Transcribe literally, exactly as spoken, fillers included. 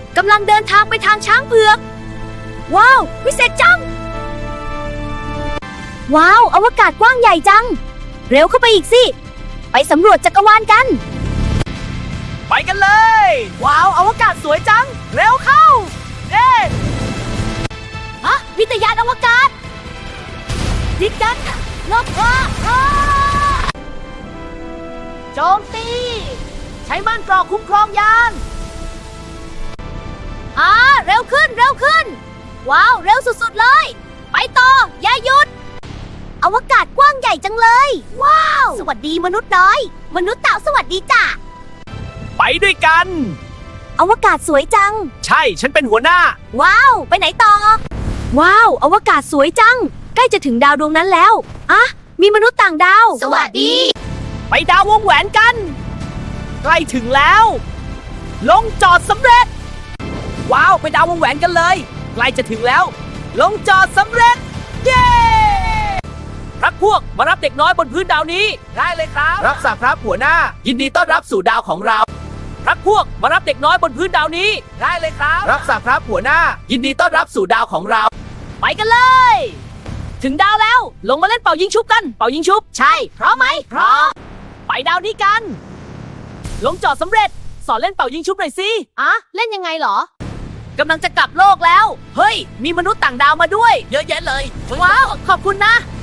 กำลังเดินทางไปทางช้างเผือกว้าววิเศษจังว้าวอวกาศกว้างใหญ่จังเร็วเข้าไปอีกสิไปสำรวจจักรวาลกันไปกันเลยว้าวอวกาศสวยจังเร็วเข้าเย้ฮะวิทยานอวกาศยิงกันลบอ้าโจมตีใช้ม่านกรอกคุ้มครองยานอ่าเร็วขึ้นเร็วขึ้นว้าวเร็วสุดๆเลยไปต่ออย่าหยุดอวกาศกว้างใหญ่จังเลยว้าวสวัสดีมนุษย์น้อยมนุษย์เต่าสวัสดีจ้ะไปด้วยกันอวกาศสวยจังใช่ฉันเป็นหัวหน้าว้าวไปไหนต่อว้าวอวกาศสวยจังใกล้จะถึงดาวดวงนั้นแล้วอะมีมนุษย์ต่างดาวสวัสดีไปดาววงแหวนกันใกล้ถึงแล้วลงจอดสำเร็จว้าวไปดาววงแหวนกันเลยใกล้จะถึงแล้วลงจอดสำเร็จเย้พรรคพวกมารับเด็กน้อยบนพื้นดาวนี้ได้เลยครับรับสั่งครับหัวหน้ายินดีต้อนรับสู่ดาวของเราพรรคพวกมารับเด็กน้อยบนพื้นดาวนี้ได้เลยครับรับสั่งครับหัวหน้ายินดีต้อนรับสู่ดาวของเราไปกันเลยถึงดาวแล้วลงมาเล่นเป่ายิงชุบกันเป่ายิงชุบใช่พร้อมไหมพร้อมไปดาวนี้กันลงจอดสำเร็จสอนเล่นเป่ายิงชุบหน่อยสิอะเล่นยังไงเหรอกำลังจะกลับโลกแล้วเฮ้ยมีมนุษย์ต่างดาวมาด้วยเยอะแยะเลยว้าวขอบคุณนะ